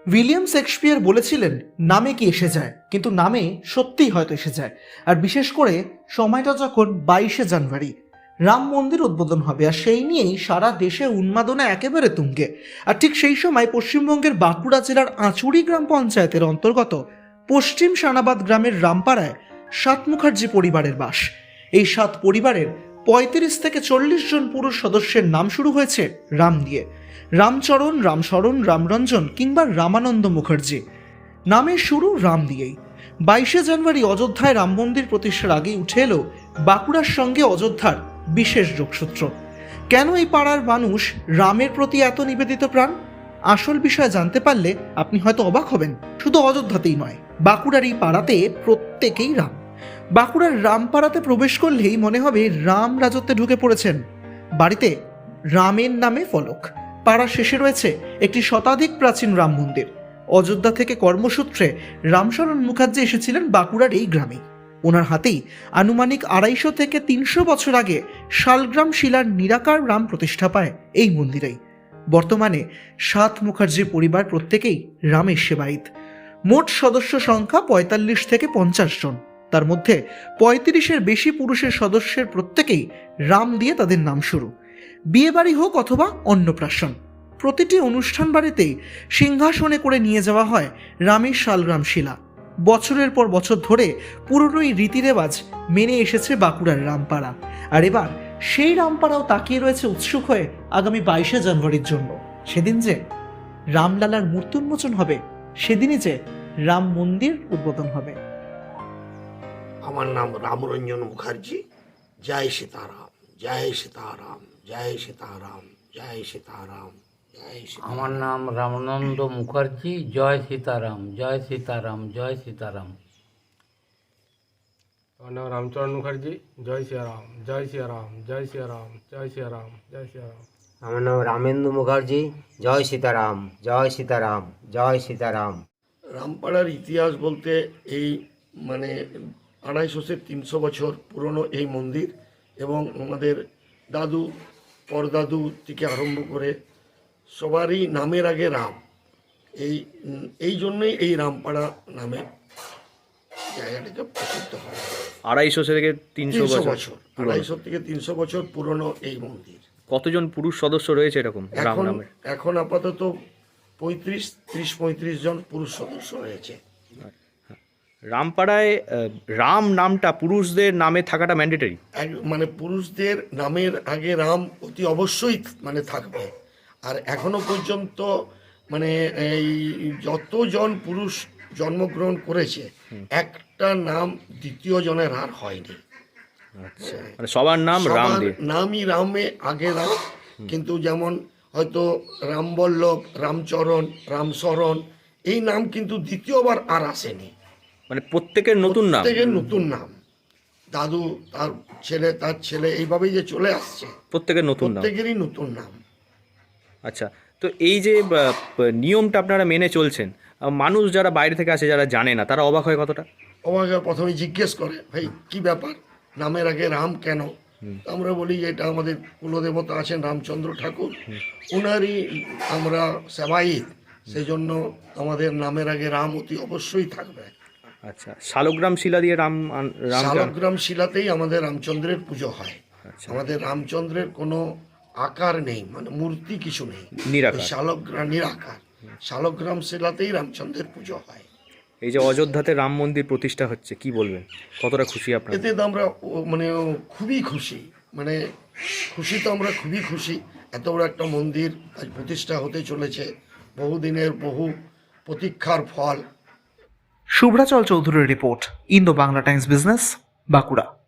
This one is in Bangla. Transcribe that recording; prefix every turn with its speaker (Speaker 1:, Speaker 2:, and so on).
Speaker 1: উইলিয়াম শেক্সপিয়ার বলেছিলেন, নামে কি এসে যায়, কিন্তু নামে সত্যিই হয়তো এসে যায়। আর বিশেষ করে সময়টা যখন 22শে জানুয়ারি রাম মন্দির উদ্বোধন হবে, আর সেই নিয়েই সারা দেশে উন্মাদনা একেবারে তুঙ্গে। আর ঠিক সেই সময় পশ্চিমবঙ্গের বাঁকুড়া জেলার আঁচুড়ি গ্রাম পঞ্চায়েতের অন্তর্গত পশ্চিম সানাবাদ গ্রামের রামপাড়ায় সাত মুখার্জি পরিবারের বাস। এই সাত পরিবারের 35 থেকে 40 জন পুরুষ সদস্যের নাম শুরু হয়েছে রাম দিয়ে। রামচরণ, রামশরণ, রামরঞ্জন কিংবা রামানন্দ মুখার্জি, নামের শুরু রাম দিয়েই। 22শে জানুয়ারি অযোধ্যায় রাম মন্দির প্রতিষ্ঠার আগেই উঠে এলো বাঁকুড়ার সঙ্গে অযোধ্যার বিশেষ যোগসূত্র। কেন এই পাড়ার মানুষ রামের প্রতি এত নিবেদিত প্রাণ? আসল বিষয় জানতে পারলে আপনি হয়তো অবাক হবেন। শুধু অযোধ্যাতেই নয়, বাঁকুড়ার এই পাড়াতে প্রত্যেকেই রাম। বাঁকুড়ার রামপাড়াতে প্রবেশ করলেই মনে হবে রাম রাজত্বে ঢুকে পড়েছেন। বাড়িতে রামের নামে ফলক। পাড়া শেষে রয়েছে একটি শতাধিক প্রাচীন রাম মন্দির। অযোধ্যা থেকে কর্মসূত্রে রামশরণ মুখার্জি এসেছিলেন বাঁকুড়ার এই গ্রামে। ওনার হাতেই আনুমানিক 250 থেকে 300 বছর আগে শালগ্রাম শিলার নিরাকার রাম প্রতিষ্ঠা পায় এই মন্দিরেই। বর্তমানে সাত মুখার্জি পরিবার প্রত্যেকেই রামের সেবায়িত। মোট সদস্য সংখ্যা 45 থেকে 50 জন। তার মধ্যে 35-এর বেশি পুরুষের সদস্যের প্রত্যেকেই রাম দিয়ে তাদের নাম শুরু। বিয়ে বাড়ি হোক অথবা অন্নপ্রাশন, প্রতিটি অনুষ্ঠান বাড়িতেই সিংহাসনে করে নিয়ে যাওয়া হয় রামের শালগ্রাম শিলা। বছরের পর বছর ধরে পুরনো এই রীতিরেওয়াজ মেনে এসেছে বাঁকুড়ার রামপাড়া। আর এবার সেই রামপাড়াও তাকিয়ে রয়েছে উৎসুক হয়ে আগামী 22শে জানুয়ারির জন্য। সেদিন যে রামলালার মূর্তি উন্মোচন হবে, সেদিনই যে রাম মন্দির উদ্বোধন হবে।
Speaker 2: আমার নাম রামরঞ্জন মুখার্জি। জয় সীতারাম, জয় সীতারাম, জয় সীতারাম, জয় সীতারাম, জয় সীতারাম।
Speaker 3: আমার নাম রামানন্দ মুখার্জি। জয় সীতারাম, জয় সীতারাম, জয় সীতারাম।
Speaker 4: আমার নাম রামচরণ মুখার্জি। জয় সিয়ারাম, জয় সিয়ারাম, জয় সিয়ারাম, জয় সিয়ারাম, জয় সিয়ারাম।
Speaker 5: আমার নাম রামেন্দু মুখার্জি। জয় সীতারাম, জয় সীতারাম, জয় সীতারাম।
Speaker 2: রামপাড়ার ইতিহাস বলতে এই 250 থেকে 300 বছর পুরনো এই মন্দির, এবং আমাদের দাদু পরদাদু থেকে আরম্ভ করে সবারই নামের আগে রাম। এই জন্যই এই রামপাড়া নামে জায়গাটাকে প্রসিদ্ধ হয়।
Speaker 6: 250 থেকে 300 বছর
Speaker 2: 250 থেকে 300 বছর পুরনো এই মন্দির।
Speaker 6: কতজন পুরুষ সদস্য রয়েছে এরকম রাম নামের?
Speaker 2: এখন আপাতত 30-35 জন পুরুষ সদস্য রয়েছে।
Speaker 6: রামপাড়ায় রাম নামটা পুরুষদের নামে থাকাটা ম্যান্ডেটরি?
Speaker 2: পুরুষদের নামের আগে রাম অতি অবশ্যই থাকবে। আর এখনো পর্যন্ত এই যতজন পুরুষ জন্মগ্রহণ করেছে, একটা নাম দ্বিতীয় জনের আর হয়নি।
Speaker 6: আচ্ছা, সবার নাম রাম দিয়ে?
Speaker 2: নামই রামে আগে রাম, কিন্তু যেমন হয়তো রামবল্লভ, রামচরণ, রামশরণ, এই নাম কিন্তু দ্বিতীয়বার আর আসেনি।
Speaker 6: প্রত্যেকের নতুন নাম?
Speaker 2: প্রত্যেকের নতুন নাম। দাদু, তার ছেলে এইভাবেই যে চলে আসছে,
Speaker 6: প্রত্যেকের নতুন নাম,
Speaker 2: প্রত্যেকেরই নতুন নাম।
Speaker 6: আচ্ছা, তো এই যে নিয়মটা আপনারা মেনে চলছেন, মানুষ যারা বাইরে থেকে আসে, যারা জানে না, তারা অবাক হয় কতটা?
Speaker 2: অবাক হয়, প্রথমে জিজ্ঞেস করে, ভাই কি ব্যাপার, নামের আগে রাম কেন? আমরা বলি যে এটা আমাদের কুলদেবতা আছেন রামচন্দ্র ঠাকুর, ওনারই আমরা সেবায়িত, সেই জন্য আমাদের নামের আগে রাম অতি অবশ্যই থাকবে।
Speaker 6: আচ্ছা, শালগ্রাম শিলা দিয়ে
Speaker 2: শালগ্রাম শিলাতেই আমাদের রামচন্দ্রের পুজো হয়। আমাদের রামচন্দ্রের কোনো আকার নেই, মূর্তি কিছু নেই, নিরাকার। শালগ্রাম শিলাতেই রামচন্দ্রের পুজো হয়।
Speaker 6: এই যে অযোধ্যাতে রাম মন্দির প্রতিষ্ঠা হচ্ছে, কি বলবেন, কতটা খুশি আপনারা?
Speaker 2: এতে তো আমরা খুবই খুশি, খুশি তো আমরা খুবই খুশি। এত বড় একটা মন্দির আজ প্রতিষ্ঠা হতে চলেছে, বহুদিনের বহু প্রতীক্ষার ফল।
Speaker 1: শুভ্রাচল চৌধুরীর report, Indo Bangla Times business, Bankura.